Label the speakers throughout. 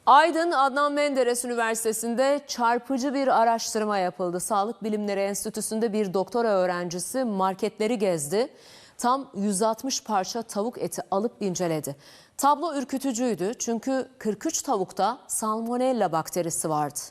Speaker 1: Aydın Adnan Menderes Üniversitesi'nde çarpıcı bir araştırma yapıldı. Sağlık Bilimleri Enstitüsü'nde bir doktora öğrencisi marketleri gezdi. Tam 160 parça tavuk eti alıp inceledi. Tablo ürkütücüydü çünkü 43 tavukta salmonella bakterisi vardı.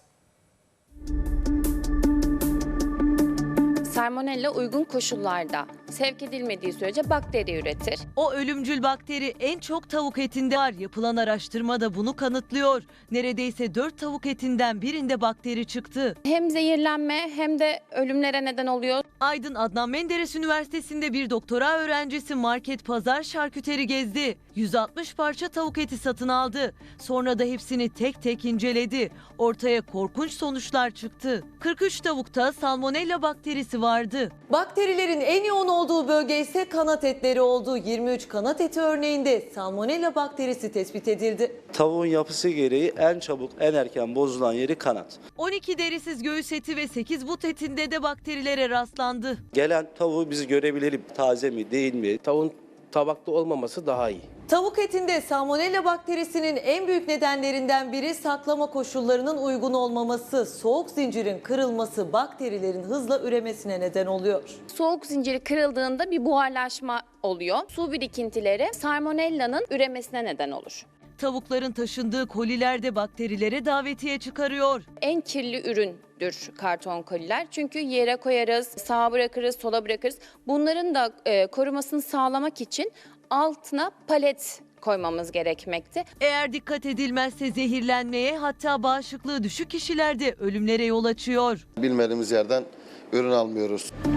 Speaker 2: Salmonella uygun koşullarda sevk edilmediği sürece bakteri üretir.
Speaker 3: O ölümcül bakteri en çok tavuk etinde var. Yapılan araştırma da bunu kanıtlıyor. Neredeyse 4 tavuk etinden birinde bakteri çıktı.
Speaker 2: Hem zehirlenme hem de ölümlere neden oluyor.
Speaker 3: Aydın Adnan Menderes Üniversitesi'nde bir doktora öğrencisi market, pazar, şarküteri gezdi. 160 parça tavuk eti satın aldı. Sonra da hepsini tek tek inceledi. Ortaya korkunç sonuçlar çıktı. 43 tavukta salmonella bakterisi vardı.
Speaker 4: Bakterilerin en yoğun olduğu bölge ise kanat etleri oldu. 23 kanat eti örneğinde salmonella bakterisi tespit edildi.
Speaker 5: Tavuğun yapısı gereği en çabuk, en erken bozulan yeri kanat.
Speaker 3: 12 derisiz göğüs eti ve 8 but etinde de bakterilere rastlandı.
Speaker 5: Gelen tavuğu biz görebilelim, taze mi değil mi?
Speaker 6: Tavuğun tabakta olmaması daha iyi.
Speaker 4: Tavuk etinde salmonella bakterisinin en büyük nedenlerinden biri saklama koşullarının uygun olmaması. Soğuk zincirin kırılması bakterilerin hızla üremesine neden oluyor.
Speaker 2: Soğuk zinciri kırıldığında bir buharlaşma oluyor. Su birikintileri salmonella'nın üremesine neden olur.
Speaker 3: Tavukların taşındığı koliler de bakterilere davetiye çıkarıyor.
Speaker 2: En kirli üründür karton koliler. Çünkü yere koyarız, sağa bırakırız, sola bırakırız. Bunların da korumasını sağlamak için altına palet koymamız gerekmekte.
Speaker 3: Eğer dikkat edilmezse zehirlenmeye, hatta bağışıklığı düşük kişilerde ölümlere yol açıyor.
Speaker 7: Bilmediğimiz yerden ürün almıyoruz.